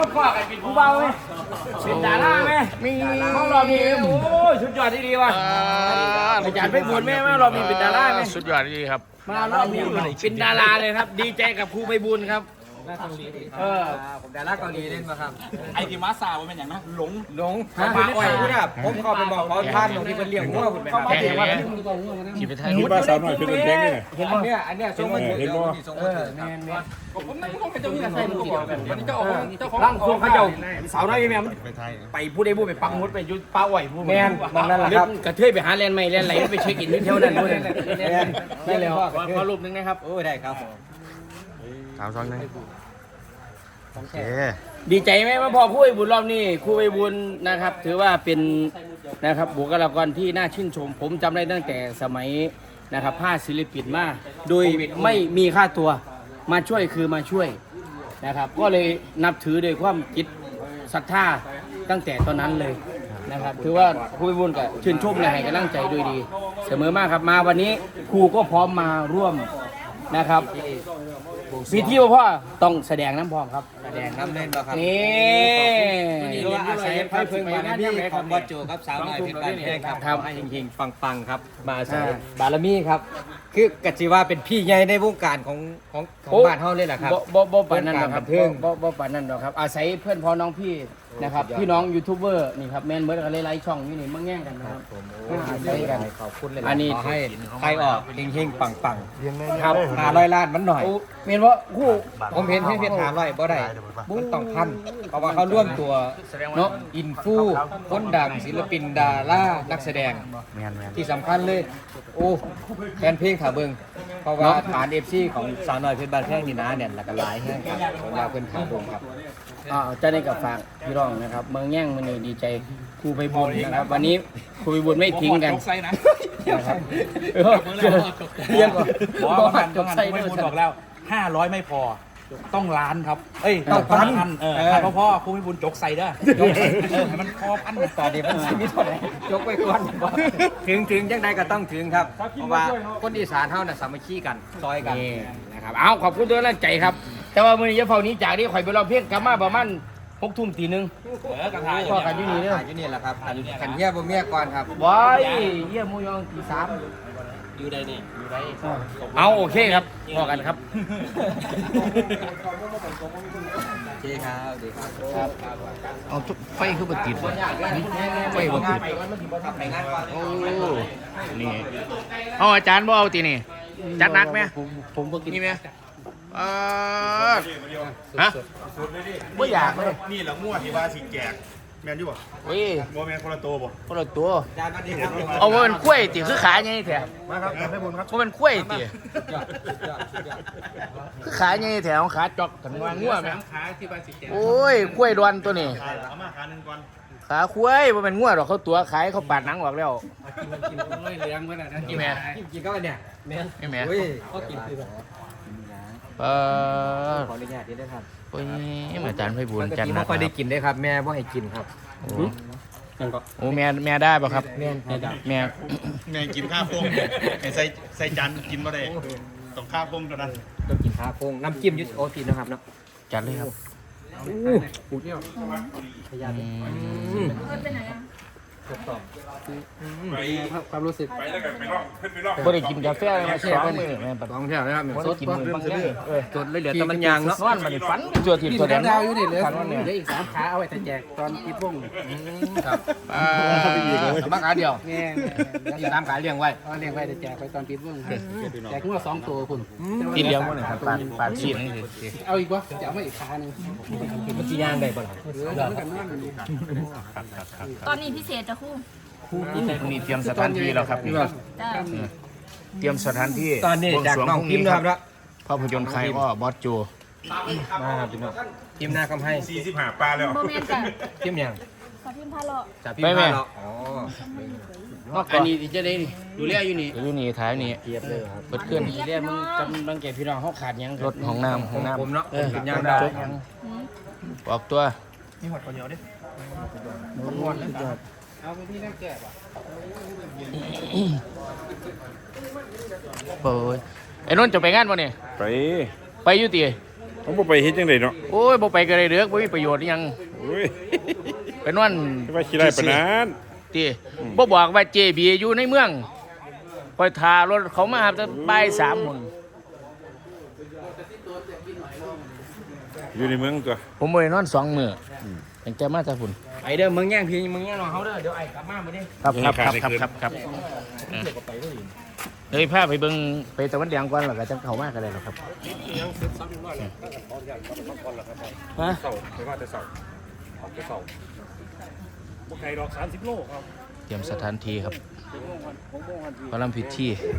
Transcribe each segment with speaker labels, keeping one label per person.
Speaker 1: ข้อกันเป็นผู้เบาไหมเป็นดาราไหมมีห้องรอมีโอ้ยสุดยอดที่ดีว่ะอาจารย์ไปบุญแม่มารอมีเป็นดาราไหม
Speaker 2: สุดยอดดีครับ
Speaker 1: มารอบนี้เป็นดาราเลยครับ ดีใจกับครูไปบุญครับ
Speaker 3: ผมดาราเกาหลีเล่นมาครับ
Speaker 4: ไอ้ที่มาซาเป็นอย่างนะหลง
Speaker 3: มาอ่อยเนี่ยผมเข้าไปบอกเขาท่านของที่เป็นเลี้ยงงัวคุณเป็น
Speaker 2: แข่งเนี่ยขี่ไปไทย
Speaker 5: มีบ้าสาวหน่อยเป็นคนแข็งนี่
Speaker 3: เห็นไหมเนี่ยอันเนี้ยส่งมาถึง
Speaker 5: เห็นบ่
Speaker 4: ผมไม่ต้องเป็นเจ้าที่ใส่ลูกแบบวันนี้เจ้าของ
Speaker 1: ร่างทรงเขาเจ้าสาวน้อยแม่ไปพูดได้พูดไปปักมุดไปยุดป้าอ่อยพูด
Speaker 3: แมนมันนั่นแหละครับ
Speaker 1: กระเทยไปหาแลนด์ใหม่แลนด์ไหลไปเช็คอินที่เที่ยวนั้นด้วย
Speaker 3: แมนได้แล้ว
Speaker 1: ขอรูปนึงนะครับ
Speaker 3: โอ้ได้ครับ
Speaker 2: 3-2นะโอเค
Speaker 1: ดีใจไหมว่าพอครูไปบุญรอบนี้ครูไปบุญนะครับ ถือว่าเป็นนะครับบุคลากรที่น่าชื่นชม ผมจำได้ตั้งแต่สมัยนะครับผ้าศิลปินมาโดยไม่มีค่าตัวมาช่วยคือมาช่วยนะครับ ก็เลยนับถือโดยความจิตศรัทธาตั้งแต่ตอนนั้นเลยนะครับถือว่าครูไปบุญกับชื่นชมและให้กำลังใจด้วยดี เสมอมากครับมาวันนี้ครูก็พร้อมมาร่วมนะครับพิธีพ่อต้องแสดงน้ำพร้อมครับ
Speaker 3: แสดงน้ำเล่นมาครับ
Speaker 1: นี่
Speaker 3: รู้ว่าอาศัยความพึงบารมีของบอสโจครับสาวน้อยเพชรบ้านแพงครับให้เฮงๆปังๆครับมาอาศัยบารมีครับคือกะจิว่าเป็นพี่ใหญ่ในวงการของบ้านเฮาเลยแหละครับ
Speaker 1: บ่ปานนั้นหรอกครับบ่ปานนั้นหรอกครับอาศัยเพื่อนพ้องน้องพี่นะครับพี่น้องยูทูบเบอร์นี่ครับแม่นเบิร์ดกันหลายๆช่องอยู่นี่มาแง่งกันนะครับอาศัยกัน
Speaker 3: ขอบคุณเลย
Speaker 1: อันนี้
Speaker 3: ขอให้ใครออกเฮงๆปัง
Speaker 1: ครับ
Speaker 3: ๆ500 ล้านมันหน่อย
Speaker 1: เมียนว่าคู่
Speaker 3: ผมเห็นให้เพชร500บ่ได้มันต้องพันเพราะว่าเขาร่วมตัวเนาะอินฟูคนดังศิลปินดารานักแสดง
Speaker 2: แมน
Speaker 3: ที่สำคัญเลย โอ้แฟนเพลงขาเบิงเพราะว่าฐาน FC ของสาวน้อยเพชรบ้านแพงนี่นะเนี่ยแล้วก็หลายแห้งครับผมว่าเพิ่นขาเบิงครับ
Speaker 1: จะได้กับฝากพี่น้องนะครับเมืองแง่งมันนี่ดีใจครูไปบุญนะครับวันนี้ครูไปบุญไม่ทิ้งกัน
Speaker 4: จกไส้นะ
Speaker 1: นะครับ
Speaker 4: เรียกก่อนจกไส้ไม่บอกแล้ว500ไม่พอต้องล้านครับเอ้ยต้องพันพ่อครูไม่บุญจกใส่เด้อให้มันพอพัน
Speaker 3: ตอนนี้มันสิมีเท่าไหร่ยกไว้ก่อนถึงจังใดก็ต้องถึงครับ เพราะว่าคนอีสานเฮาน่ะสามัคคีกันซอยกัน
Speaker 1: นี่นะครับเอาขอบคุณด้วยแรงใจครับ แต่ว่ามื้อนี้จะเฝ้านี้จากนี้ข่อยไปรอเพียงกลับมาประมาณ6 ทุ่มตี 1
Speaker 4: กระทาย
Speaker 1: พ่อกันอยู่นี่เด้อ
Speaker 3: อยู่นี่แหละครับขันเฮียบ่เมียก่อนครับ
Speaker 1: ว้ายเยี่ยมมูยองตี 3
Speaker 4: อยู่ใดนี่อยู่ใด
Speaker 1: เอาโอเคครับพอกันครับ
Speaker 3: โอเคครับดีครับ
Speaker 2: เอาไฟคือบ่ติดวะไฟบ่ติดโอ้นี่เอาอาจารย์บ่เอาตีนี่จัดหนักไหม
Speaker 1: ผมบ่กิน
Speaker 2: นี่ไหมฮะบ่อยากเลย
Speaker 5: นี่แหละมั่วที่ว่าสิแจกแมนอยู่บ่
Speaker 2: เฮ้ย
Speaker 5: บ่แมนคนละตัวบ่
Speaker 2: คนละตัว
Speaker 3: อาจารย์สวัสดีครับ
Speaker 2: เอาว่าเป็นกล้วยติคือขาใหญ่แท้
Speaker 5: มาครับให้บุญครับ
Speaker 2: ว่าเป็นกล้วยติคือขาใหญ่แท้ของขาจอกกันว่างัวแม่
Speaker 4: ขาที่บ้านสิแก
Speaker 2: โอ้ยกล้วยดอนตัวนี้
Speaker 5: เอามาขาหนึ่งก่อน
Speaker 2: ขาคุ้ยว่าเป็นงัวดอกเขาตัวขายเขาปาดหนังออกแล้ว
Speaker 4: กินเลยเลี้ยงไว้น่ะนะ
Speaker 2: นี่แม่
Speaker 3: กินก็เนี่ยแม่
Speaker 2: นี่แม่
Speaker 3: โอ้ยก็กินคือแบบ ขออนุญาตด้วยครับ
Speaker 2: โอ้ยอาจารย์ไพบูลย์
Speaker 3: ปก
Speaker 2: จัด
Speaker 3: ติ
Speaker 2: หนั
Speaker 3: ไม่
Speaker 2: ก
Speaker 3: ค่อยได้
Speaker 2: ครับ
Speaker 3: กินได้ครับ แม่ว่าให้กินครับ
Speaker 2: โอ้แม่ได้ป่ะครับ
Speaker 3: แม่ครับ
Speaker 2: แม่
Speaker 5: แม่กินข้าวโพดไอ้ใส่จานกินบ่ได้ต้องข้าวโพดเท่านั้น
Speaker 3: ต้องกินข้าวโพงน้ำจิ้มยุทธโอตีนะครับเนาะ
Speaker 2: จัดเลยครับ
Speaker 3: ความรู้สึก
Speaker 2: บ่ได้กินกาแฟเลยมาแช่เพิ่นแม่ปะ
Speaker 3: ลองเที่ยวนะครับ
Speaker 2: บ่ได้กินมื้อบางอย่าง
Speaker 3: จดเลยเหลือแต่มันยางเนาะ
Speaker 2: นอนมานี่ฝันตัวทิพย์ตัวแดง
Speaker 1: ฝันว่าเนี่ยได้อีก3ขาเอาไว้แต่แจกตอนปิดวง
Speaker 2: ครับมาขาเดียว
Speaker 1: แง่
Speaker 2: 3ขาเลี้ยงไว้
Speaker 1: เลี้ยงไว้แต่แจกไปตอนปิดวงแจกงัว2 ตัวคุณ
Speaker 2: กินเลี้ยงบ่นี่ครับปาดชีสนี่สิ
Speaker 1: เอาอีกวะจะเอามาอีกขาหนึง
Speaker 3: มันจียางได้บ่ล่ะ
Speaker 1: มันกันนั่นอยู่
Speaker 6: ตอนนี้พิเศษจะคู่
Speaker 2: นี่เตรียมสถานที่แล้วครับนี่
Speaker 6: จ้า
Speaker 2: เตรียมสถานที่
Speaker 3: ตอนนี้จากน้องพิมพ์นะครับแล้ว
Speaker 2: ภาพยนตร์ใครก็บอสโจ
Speaker 3: มาครับพี่น้องพิมพ์หน้าคำให้
Speaker 5: 45ปลาแล้ว
Speaker 6: โมเมนต์จ้ะ
Speaker 3: พิมพ์ยัง
Speaker 6: ขอพิมพ์พาเลาะ
Speaker 3: จากพิมพ์มาแล้วอ๋อ
Speaker 1: อันนี้ที่จะได้นี่ดูแลอยู่นี่
Speaker 2: อยู่นี่ท้ายนี่
Speaker 3: เทียบเลยครับ
Speaker 2: เปิดเคลื่อน
Speaker 1: ดูแลมึงกำลังแก่พี่น้องเขาขาดหยัง
Speaker 2: รถของน้ำของน้ำ
Speaker 3: ผมเนาะผมยางได้
Speaker 2: ออกตัว
Speaker 1: เอาไปที่นั่งแก่ป่ะ
Speaker 2: โอ้ยไอ้นนท์จะไปงานป่ะเนี่ย
Speaker 5: ไป
Speaker 2: ไปอยู่ตี
Speaker 7: ผมบ่ไปเฮ็ดจังไดเนาะ
Speaker 2: โอ้ยบ่ไปก็ได้เด้อบ่มีประโยชน์อิหยัง
Speaker 7: โอ้ย
Speaker 2: ไปนอน
Speaker 7: จะว่าขี้ได้ปานนั้น
Speaker 2: ติบ่บอกว่า JB อยู่ในเมืองคอยทารถเขามาครับจะบ่าย3มื้อ
Speaker 7: อยู่ในเมืองตัว
Speaker 2: ผมบ่ได้นอน2มื้อตั้งแต่มาจากพุ่น
Speaker 1: ไอเด้อมึงแย่งพี่มึงแย่งน้องเขาเด้อเดี๋ยวไอ้กลับมาบ่ได้
Speaker 2: ครับเฮ้ยพาไปเบิ่งไปตะวันแดงก่อนแล้วก็จะเข้ามาก็ได้หรอกครับ
Speaker 1: ฮะ
Speaker 4: เสาไปว่าแต่เสาออกแต่เสาบุกไก่ดอก30 โลครับ
Speaker 2: เตรียมสถานที่ครับพระลำพิธี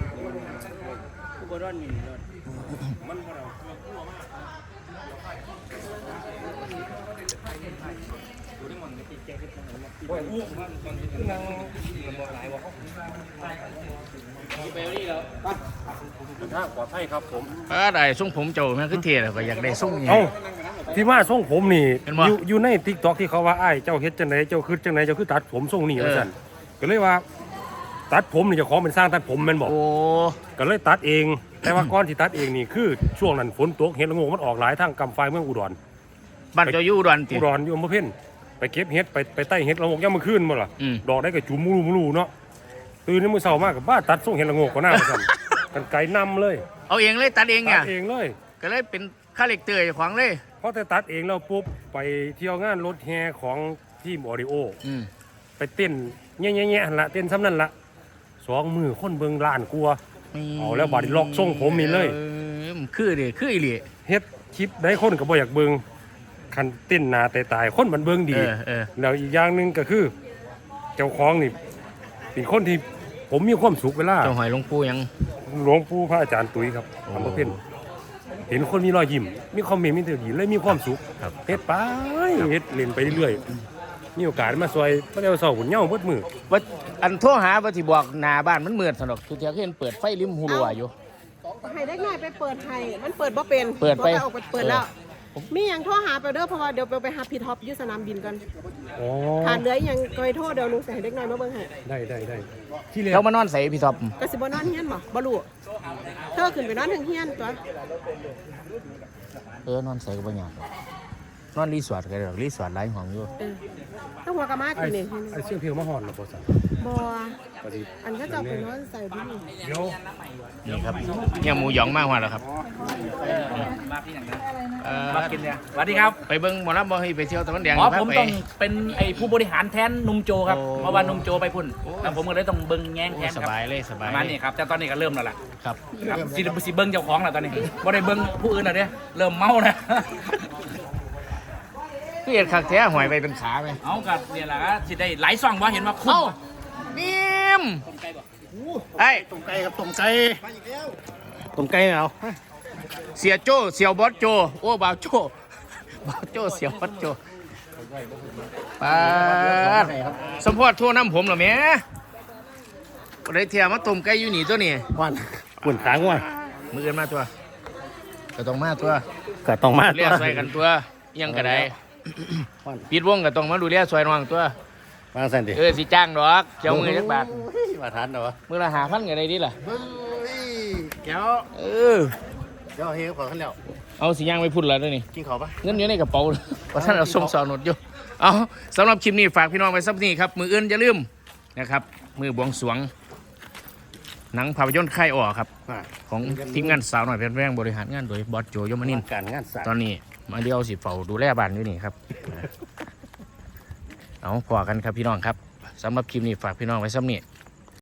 Speaker 4: ปลอดภัยครับผม
Speaker 2: ได้ส่งผมเจ้าแม่ขึ้นเทแล้วก็อยากได้ส่งนี่
Speaker 8: เอ้าที่มาส่งผมนี่
Speaker 2: เห็นบ่
Speaker 8: อยู่ใน TikTok ที่เขาว่าอ้ายเจ้าเฮ็ดจังไดเจ้าคือจังไดเจ้าคือตัดผมทรงนี้ว่าซั่นก็เลยว่า ตัดผมนี่เจ้าของเป็นสร้างตัดผมแม่นบ่
Speaker 2: โอ้
Speaker 8: ก็เลยตัดเอง แต่ว่าก่อนที่ตัดเองนี่คือช่วงนั้นฝนตกเห็ดละโงกมันออกหลายทางกำไฟเมืองอุดร
Speaker 2: บ้านเจ้าอยู่อุดรติ
Speaker 8: อุดรอยู่อำเภอเพ็ญไปเก็บเห็ดไปไต่เห็ดละโงกยามมื้อคืนบ่ล่ะ
Speaker 2: อืม
Speaker 8: ดอกได้ก็จุ่มมูรูเนาะตื่นในมื้อเช้ามาก็บ้าตัดทรงเห็ดละโงกก็น่าว่าซั่น กันไกลนำเลย
Speaker 2: เอาเองเลยตัดเอง
Speaker 8: ตั
Speaker 2: เนี่ย
Speaker 8: ดเองเลย
Speaker 2: ก็เลยเป็นค่าเหล็กเตยของเลย
Speaker 8: พอแต่ตัดเองแล้วปุ๊บไปเที่ยวงานรถแห่ของทีมออดิโอ
Speaker 2: อืม
Speaker 8: ไปเต้นแง่ๆๆหั่นละเต้นซ้ำนั่นละ2 มือคนเบิ่งล้านกลัวาเอาแล้วบาดนี้ล็อกทรงผมนี่เลย
Speaker 2: มันคือดิคืออีหลี
Speaker 8: เฮ็ดคลิปได้คนก็บ่อยากเบิ่งคันเต้นหน้าแต่ตายคนมันเบิ่งดี
Speaker 2: เออ
Speaker 8: แล้วอีกอย่างหนึงก็คือ เจ้าของนี่เป็นคนที่ผมมีความสุขเวลา
Speaker 2: เจ้าหอยหลวงปู่ยัง
Speaker 8: หลวงปู่พระอาจารย์ตุ้ยครับอำเภอเพ็ญเห็นคนมีรอยยิ้มมีคอมเมนต์มีเถื่อนเลยมีความสุข
Speaker 2: ครับ
Speaker 8: เฮ็ดไปเฮ็ดเล่นไปเรื่อยๆมีโอกาสมาซอยพระเจ้าเสาหุ่นเหย้าเบิดมือ
Speaker 2: ว่าอันโทรหาว่าที่บอกหน้าบ้านมันมืดสนอกทุกเที่ยเห็นเปิดไฟริมหูรัวอยู่
Speaker 9: ให้ได้ง่ายไปเปิดให้มันเปิดบ่เป็น
Speaker 2: เปิดไป
Speaker 9: บ่ออกไปเปิดแล้ว มีหยังโทรหาไปเด้อเพราะว่าเดี๋ยวไปหาพี่ท็อปอยู่สนามบินกัน
Speaker 8: อ๋อ
Speaker 9: ขาดเหลืออีหยังก็ให้โทรเดี๋ยวหนูสิให้เด็กน้อยมาเบิ่งให้
Speaker 8: ได้ที่แรก
Speaker 2: แล้วมานอนใส่พี่ท็อป
Speaker 9: ก็สิบ่นอนเฮียนบ่บ่รู้เธอขึ้นไปนอนถึงเฮียนตัว
Speaker 2: นอนใส่ก็บ่ยากหรอกนอนรีสอร์ทก็ได้หรอกรีสอร์ทหลายห้องอยู่
Speaker 9: เออถ้าหัวกะมา
Speaker 8: ไอ้
Speaker 9: กินนี่
Speaker 8: ไอ้เสียงเพลงมาฮอนน่ะบ่ซั่น
Speaker 9: บ่
Speaker 8: ก็สิ
Speaker 9: อันก็จะเอาไปนอนใส่ดิ
Speaker 8: เดี๋ยว
Speaker 2: นี่ครับเนี่ยหมูหยองมากกว่าแล้วครับมากินเนี่ย
Speaker 4: สวัสดีครับ
Speaker 2: ไปเบิ้งหมอลำบ่ให้ไปเที่ยวตะวันแดง
Speaker 4: อ๋อ
Speaker 2: พา
Speaker 4: ผม
Speaker 2: ไป
Speaker 4: ต้องเป็นไอ้ผู้บริหารแทนนุ่มโจครับ
Speaker 2: โอ้
Speaker 4: เพราะว่านุ่มโจไปพุ่นแล้วผมก็เลยต้องเบิ้งแง้ง
Speaker 2: โอ้
Speaker 4: แทน
Speaker 2: ส
Speaker 4: ครับ
Speaker 2: บายเลยส
Speaker 4: ป
Speaker 2: บาย
Speaker 4: ระมาณนี้ครับแต่ตอนนี้ก็เริ่มแล้วล่ะ
Speaker 2: ครับ
Speaker 4: ครับสิเบิ้งเจ้าของแล้วตอนนี้บ่ได้เบิ้งผู้อื่นแล้วเนี่ยเริ่มเมาแล้ว
Speaker 2: พี่เอ็ดคักแท้หอยไปเป็นขาไหม
Speaker 4: เอากับเนี่ยแหละครับสิได้หลายซองว่าเห็นว่าคุ้ม
Speaker 2: เอ้านิ่มไอ้
Speaker 8: ต้มไก่ครับต้มไก่ต้มไก่เอา
Speaker 2: เสียโจ้เสียวบอสโจโอ้บ่าวโจบ่าวโจเสียวบอสโจปาดสมพอดทั่วน้ำผมเหรอแม่บ่ได้เทียมาต้มไก่อยู่นี่ตัวนี้
Speaker 8: วันปวดขาง่วง
Speaker 2: มืออื่นมาตัวก็ต้องมาตัว
Speaker 8: ก็ต้องมา
Speaker 2: เรียกซอยกันตัวอิหยังก็ได้ปิดวงก็ต้องมาดูแลซอยน้องตัว
Speaker 8: มาสั่นดิ
Speaker 2: สิจ้างดอกเจ้ามือจักบาท
Speaker 8: มาทานเนาะ
Speaker 2: มือละ5,000ก็ได้ดิล่ะ
Speaker 8: แก้ว
Speaker 2: เออ
Speaker 8: เดี๋ยวเฮ้ยขอขึ้นแล้ว
Speaker 2: เอาสิย่างไปพุ่นแล้วเด้อนี่
Speaker 8: กินข้าวปะ
Speaker 2: เงินอยู่ในกระเป๋าเพราะท่านเอาส่งสอนหนดอยู่เอาสำหรับคลิปนี้ฝากพี่น้องไว้สักนี้ครับมืออื่นอย่าลืมนะครับมือบวงสรวงหนังภาพยนตร์ค่ายอ่อครับของทีมงานสาวหน่อยเป็นแรงบริหารงานโดยบอสโจยมนินทร์
Speaker 8: การงานสาย
Speaker 2: ตอนนี้มาเดียวสิเฝ้าดูแลบ้านอยู่นี่ครับ เอาพอกันครับพี่น้องครับสำหรับคลิปนี้ฝากพี่น้องไว้สักนี้